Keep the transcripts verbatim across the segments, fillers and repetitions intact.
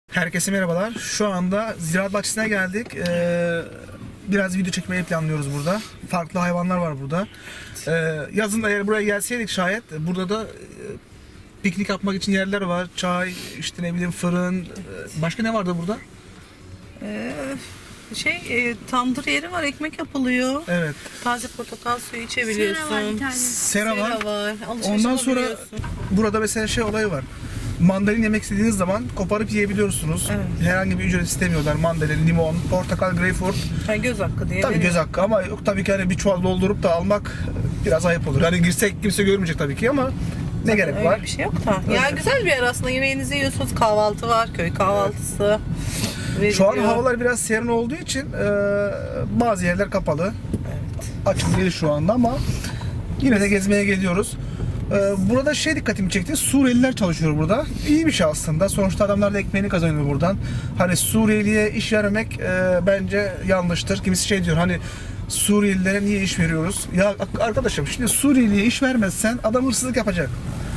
Herkese merhabalar. Şu anda ziraat bahçesine geldik. Ee, biraz video çekmeyi planlıyoruz burada. Farklı hayvanlar var burada. Ee, yazın da eğer buraya gelseydik şayet burada da e, piknik yapmak için yerler var. Çay, işte ne bileyim fırın. Ee, başka ne vardı burada? Ee, şey e, tandır yeri var, ekmek yapılıyor. Evet. Taze portakal suyu içebiliyorsun. Sera var bir tane. Sera var. Sera var. Alışveriş Ondan sonra yapabiliyorsun. burada mesela şey olayı var. Mandalina yemek istediğiniz zaman koparıp yiyebiliyorsunuz. Evet. Herhangi bir ücret istemiyorlar. Mandalina, limon, portakal, greyfurt. Yani göz hakkı diye. Tabii veriyor. göz hakkı ama yok tabii ki hani bir çuval doldurup da almak biraz ayıp olur. Hani girsek kimse görmeyecek tabii ki ama ne gerek Öyle var? bir şey yok da. Ya güzel bir yer aslında. Yemeğinizi yiyorsunuz. Kahvaltı var. Köy kahvaltısı. Şu an veriliyor. havalar biraz serin olduğu için e, bazı yerler kapalı. Evet. Açık değil şu anda ama yine de gezmeye geliyoruz. E, burada şey dikkatimi çekti. Suriyeliler çalışıyor burada. İyi bir şey aslında. Sonuçta adamlar da ekmeğini kazanıyor buradan. Hani Suriyeliye iş vermek e, bence yanlıştır. Kimisi şey diyor hani Suriyelilere niye iş veriyoruz? Ya arkadaşım şimdi Suriyeliye iş vermezsen adam hırsızlık yapacak.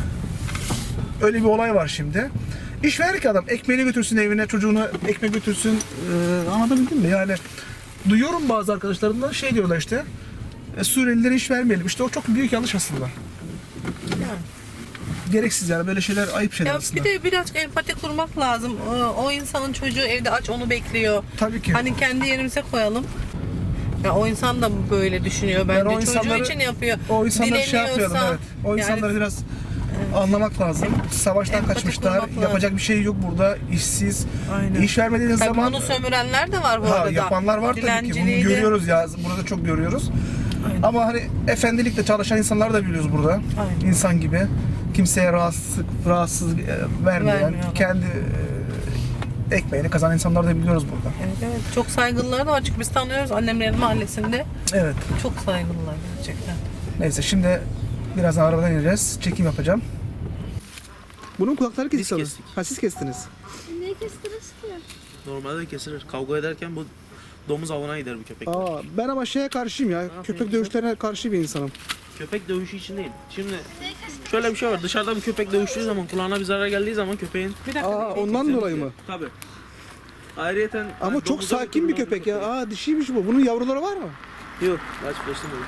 Öyle bir olay var şimdi. İş verir ki adam ekmeğini götürsün evine, çocuğuna ekmek götürsün. Ee, anlatabildim mi? Yani duyuyorum bazı arkadaşlarımdan şey diyorlar işte. E, Suriyelilere iş vermeyelim. İşte o çok büyük yanlış aslında. Yani. Gereksiz yani böyle şeyler ayıp şeyler Ya aslında. bir de biraz empati kurmak lazım. O, o insanın çocuğu evde aç, onu bekliyor. Tabii ki. Hani kendi yerimize koyalım. Ya o insan da böyle düşünüyor bence. Yani o Çocuğu insanları- için yapıyor. O insanları şey yapmayalım Dileniyorsa- evet. O Yani- insanları biraz anlamak lazım. Savaştan Empati kaçmışlar. kurmak lazım. Yapacak bir şey yok burada. İşsiz. Aynen. İş vermediğiniz Tabii zaman bunu sömürenler de var bu ha, arada. yapanlar var tabii ki. Bunu Dilenciliği de- görüyoruz ya. Burada çok görüyoruz. Aynen. Ama hani efendilikle çalışan insanlar da biliyoruz burada. Aynen. İnsan gibi. Kimseye rahatsız, rahatsız e, vermeyen, Vermiyorlar. kendi e, ekmeğini kazanan insanlar da biliyoruz burada. Evet, evet. Çok saygılılar da var çünkü biz tanıyoruz annemlerin mahallesinde. Evet. Çok saygılılar gerçekten. Neyse şimdi birazdan arabadan ineceğiz. Çekim yapacağım. Bunun kulakları Biz kesildi. kestik. Ha siz kestiniz. Niye kestiniz ki? Normalde kesilir. Kavga ederken bu domuz avına gider bu köpek. Aa, ben ama şeye karşıyım ya. Köpek dövüşlerine karşı bir insanım. Köpek dövüşü için değil. Şimdi şöyle bir şey var. Dışarıda bir köpek dövüştüğü zaman kulağına bir zarar geldiği zaman köpeğin Bir dakika. Aa, ondan dolayı mı? tabi. Ayrıyeten Ama çok sakin bir köpek ya. Aa dişiymiş bu. Bunun yavruları var mı? Yok. Daha çiftleştirmedim.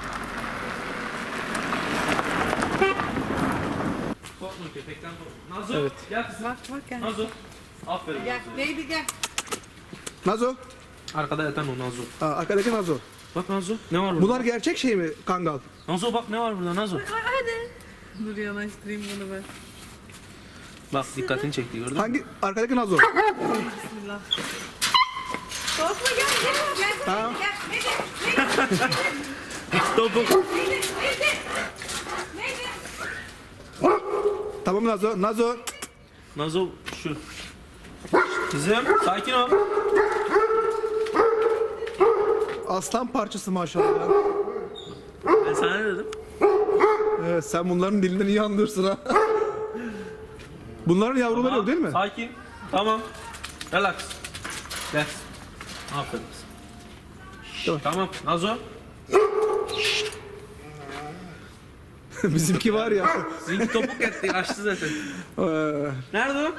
Korkma köpekten korkma. Nazo. Evet. Gel kızım. Bak bak gel. Nazo. Aferin. Gel. Nazo. Neydi gel. Nazo. Arkada yatan o Nazo. Aa, arkadaki Nazo. Bak Nazo. Ne var burada? Bunlar gerçek şey mi Kangal? Nazo bak ne var burada Nazo. Dur yanaştırayım bunu ben. Bak dikkatini çekti gördün mü? Hangi? Arkadaki Nazo. Bismillah. Korkma gel gel gel. Ha? Topuk. Tamam Nazo. Nazo. Nazo şu. Kızım sakin ol. Aslan parçası maşallah. ya. Ben sana ne dedim? Evet sen bunların dilinden iyi anlıyorsun ha. Bunların yavruları Tamam, yok değil mi? Sakin. Tamam. Relax. Relax. Aferin. Tamam. Tamam. Nazo. Bizimki var ya. Zinki topuk etti. Açtı zaten. Ee, Nerede o?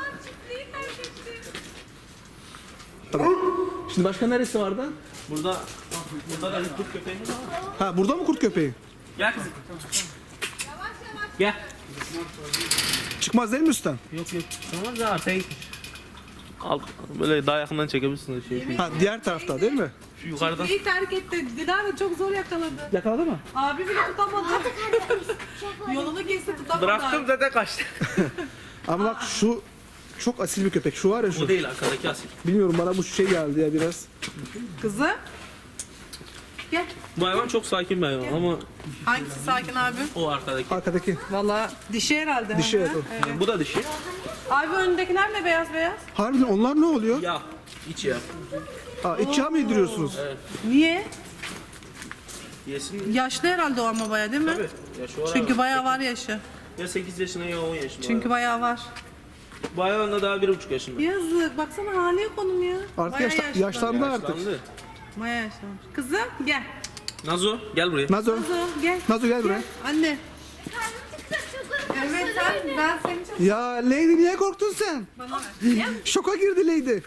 tamam. Şimdi başka neresi vardı? Burada. Burada da bir kurt köpeğimiz var. Ha burada mı kurt köpeği? Gel kızım. Gel. Çıkmaz değil mi üstten? Yok yok. Tamam ya. Sen Al. Böyle daha yakından çekebilirsin. Şey. Ha diğer tarafta değil mi? Şu yukarıdan. İyi terk etti. Dilara çok zor yakaladı. Yakaladı mı? Abi bile tutamadı. Yolunu kesti tutamadı. Bıraktım zaten kaçtı. Ama bak şu çok asil bir köpek. Şu var ya O şu. değil arkadaki asil. Bilmiyorum bana bu şey geldi ya biraz. Kızı. Gel. Bu hayvan çok sakin bir hayvan ama Hangisi sakin abi? o arkadaki. Arkadaki. Valla dişi herhalde. Dişi, Hı hı. evet, o. Bu da dişi. Abi önündekiler ne beyaz beyaz? Harbiden onlar ne oluyor? Ya. İç ya. Aa, iç yağ mı yediriyorsunuz? Niye? Yesin. Yaşlı herhalde o ama baya değil mi? Tabii. Ya şu ara Çünkü bayağı var yaşı. ya sekiz yaşında ya on yaşında. Çünkü bayağı var. bu hayvan da daha bir buçuk yaşında. Yazık. Baksana hali yok onun ya. Artık Bayağı yaşta- yaşlı. yaşlandı artık. Yaşlandı. Bayağı yaşlanmış. Kızım gel. Nazo gel buraya. Nazo. Nazo gel. Nazo gel buraya. Anne. Karnım çıktı, çok Evet sen, ben senin için Ya Lady niye korktun sen? bana ver. Şoka girdi Lady.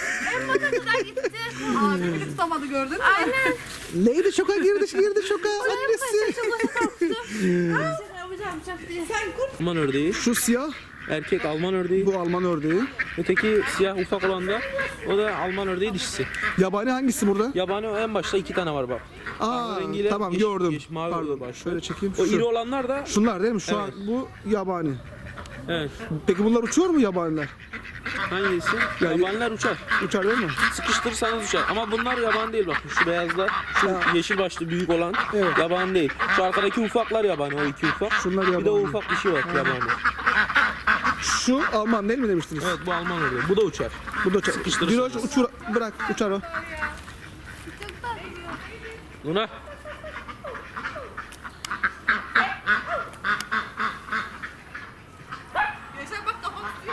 Abi beni tutamadı gördün mü? Aynen. Lady şoka girdi, girdi şoka. Annesi. Yapacağım çok diye. Sen kurt. Alman ördeği. Şu siyah, Erkek Alman ördeği. bu Alman ördeği. Öteki siyah ufak olan da o da Alman ördeği dişisi. Yabani hangisi burada? Yabani en başta iki tane var bak. Aa, rengiyle tamam yeşil- gördüm. yeşil, mavi Pardon, başlıyor. şöyle çekeyim. O Şu. iri olanlar da Şunlar değil mi? Şu Evet. an bu yabani. evet. Peki bunlar uçuyor mu yabaniler? Hangisi? Ya- Yabaniler uçar. Uçar değil mi? Sıkıştırırsanız uçar. Ama bunlar yabani değil bak. Şu beyazlar, şu Ha. yeşil başlı büyük olan Evet. yabani değil. Şu arkadaki ufaklar yabani, o iki ufak. Şunlar Bir de o yabani. ufak dişi var yabani. Şu Alman değil mi demiştiniz? Evet bu Alman ördeği. Bu da uçar. Bu da uçar. Sıkıştırırsın. Diloş uçur, bırak uçar o. Luna. Yaşar bak kafam tutuyor.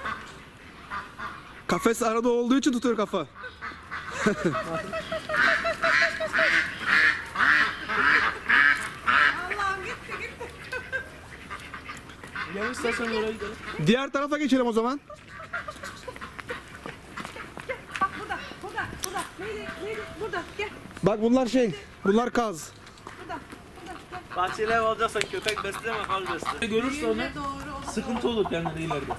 Kafes arada olduğu için tutuyor kafa. Allah'ım gitti gitti. Gel istersen oraya gidelim. Diğer tarafa geçelim o zaman. Bak burada, burada, burada. Neydi, neydi? Burada, gel. Bak bunlar şey, bunlar kaz. Burada, burada, gel. Bahçeli ev alacaksan köpek besleme, kal besle. Görürse onu Yürüme doğru. o- sıkıntı olur kendine ileride.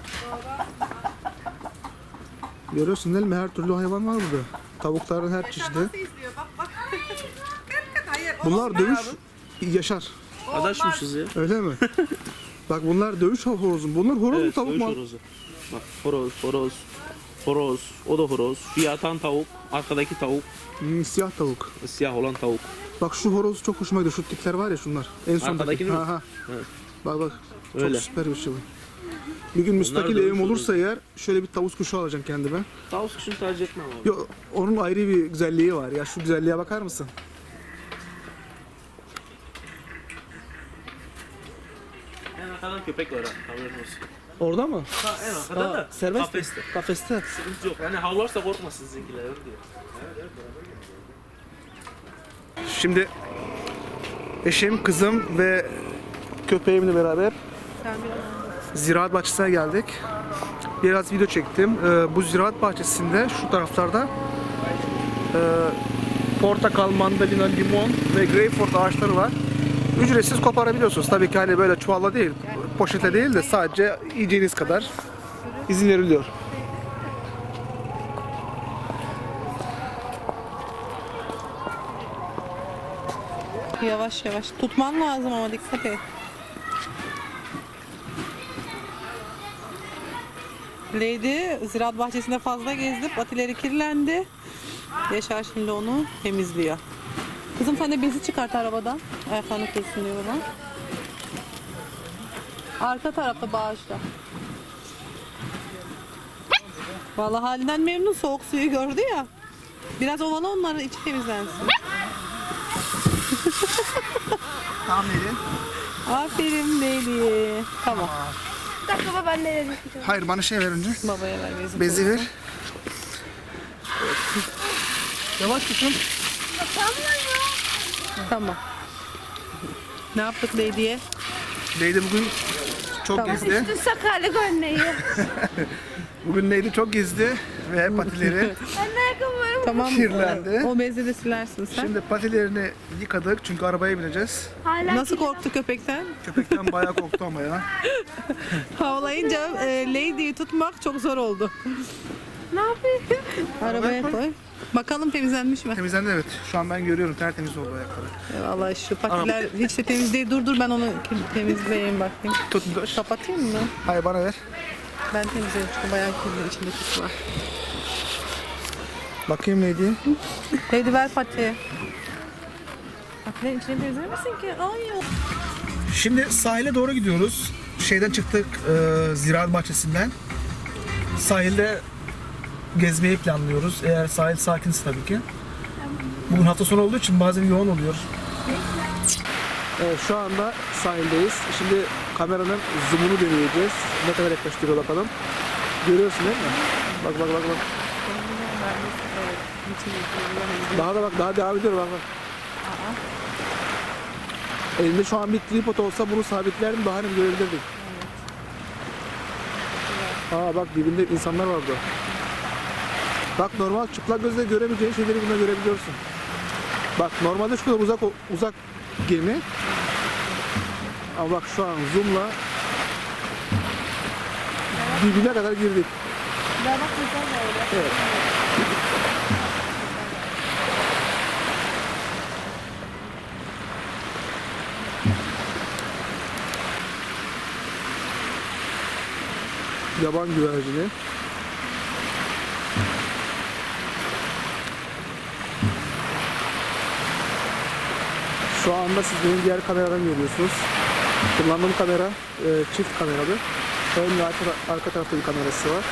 Görüyorsun değil mi? Her türlü hayvan var burada. Tavukların her Yaşar çeşidi. nasıl izliyor? Bak bak. Hayır. o Bunlar olmaz. dövüş yaşar. Adaşmışız ya. Öyle mi? Bak bunlar dövüş horozu. Bunlar horoz mu Evet, tavuk dövüş mu? horozu. Bak horoz, horoz, horoz, o da horoz. Şu yatan tavuk, arkadaki tavuk, Hmm, siyah tavuk. siyah olan tavuk. Bak şu horoz çok hoşuma gidiyor. Şu tipler var ya şunlar. En sondaki. Arkadakini mi? Ha, ha. Evet. Bak bak. Çok Öyle. süper bir şey bu. Bir gün müstakil dövüş evim olursa horozu. eğer şöyle bir tavus kuşu alacağım kendime. Tavuk kuşunu tercih etmem abi. Yo, onun ayrı bir güzelliği var. Ya şu güzelliğe bakar mısın? En arkada köpek var ha, haberin olsun. Orada mı? Ha, en arkada Aa, da serbest mi? kafeste. Kafeste. Sıkıntı yok. Yani havlarsa korkmasın sizinkiler öyle diyor. Şimdi eşim, kızım ve köpeğimle beraber Sen bir ziraat bahçesine geldik. Biraz video çektim. Ee, bu ziraat bahçesinde şu taraflarda e, portakal, mandalina, limon ve greyfurt ağaçları var. Ücretsiz koparabiliyorsunuz. Tabii ki hani böyle çuvalla değil, poşete değil de sadece yiyeceğiniz kadar izin veriliyor. Yavaş yavaş. Tutman lazım ama dikkat et. Lady ziraat bahçesinde fazla gezdi. Patileri kirlendi. Yaşar şimdi onu temizliyor. Kızım sen de bezi çıkart arabadan. Ayaklarını kırsın diyor bana. Arka tarafta bağışta. Vallahi halinden memnun, soğuk suyu gördü ya. Biraz ovala onların içi temizlensin. Tamam Neri. Aferin Lady. Tamam. Bir dakika baba ben nereye gideceğim? Hayır bana şey ver önce. Babaya ver bezi. Bezi ver. Yavaş tutun. Tamam. Ne yaptık Lady'ye? Lady bugün çok Tamam. gezdi. Üstün sakarlık örneği. Bugün Lady çok gezdi ve patileri Ben de ayakkabılarım. Tamam. kirlendi. O bezle de silersin sen. Şimdi patilerini yıkadık çünkü arabaya bineceğiz. Hala Nasıl kirli. korktu köpekten? Köpekten bayağı korktu ama ya. Havlayınca e, Lady'yi tutmak çok zor oldu. Ne yapayım? Arabaya koy. koy. Bakalım temizlenmiş mi? Temizlendi evet. Şu an ben görüyorum tertemiz oldu ayakları. Vallahi şu patiler hiç de temiz değil. Dur dur ben onu temizleyeyim bakayım. Tut dur. Kapatayım mı? Hayır bana ver. Ben temizleyeyim çünkü bayağı kirli içinde pis var. Bakayım Lady. Lady ver patiyi. Patilerin içine temizlemesin ki. Ay yok. Şimdi sahile doğru gidiyoruz. Şeyden çıktık e, ziraat bahçesinden. Sahilde gezmeyi planlıyoruz. Eğer sahil sakinse tabii ki. Bugün hafta sonu olduğu için bazen yoğun oluyor. Evet şu anda sahildeyiz. Şimdi kameranın zoom'unu deneyeceğiz. Ne kadar yaklaştırıyor bakalım. Görüyorsun değil mi? Bak bak bak bak. Daha da bak daha devam ediyor bak bak. Elimde şu an bir tripod olsa bunu sabitlerdim daha hani görebilirdik. Aa bak dibinde insanlar vardı. Bak normal çıplak gözle göremeyeceğin şeyleri bunda görebiliyorsun. Bak normalde şu kadar uzak uzak gemi. Ama bak şu an zoom'la dibine kadar girdik. Daha bak güzel böyle. Evet. Yaban güvercini. Şu anda siz benim diğer kameradan görüyorsunuz. Kullandığım kamera e, çift kameralı. Ön ve arka, arka tarafta bir kamerası var.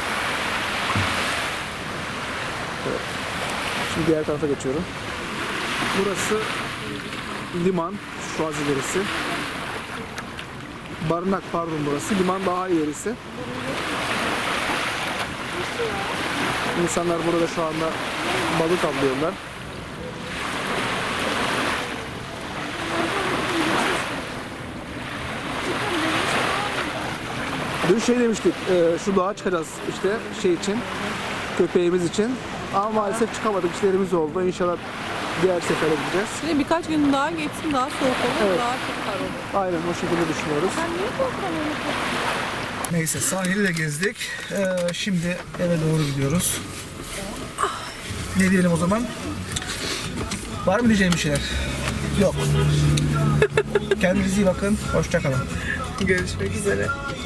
Evet. Şimdi diğer tarafa geçiyorum. Burası liman, şu az ilerisi. Barınak pardon burası. Liman daha ilerisi. İnsanlar burada şu anda balık avlıyorlar. Dün şey demiştik, e, şu dağa çıkacağız işte şey için, köpeğimiz için. Ama maalesef çıkamadık, işlerimiz oldu. İnşallah diğer sefere gideceğiz. Şimdi birkaç gün daha geçsin, daha soğuk olur, Evet. daha çok kar olur. Aynen o şekilde düşünüyoruz. Neyse sahili de gezdik. Ee, şimdi eve doğru gidiyoruz. Ne diyelim o zaman? Var mı diyeceğim bir şeyler? Yok. Kendinize iyi bakın. Hoşça kalın. Görüşmek üzere.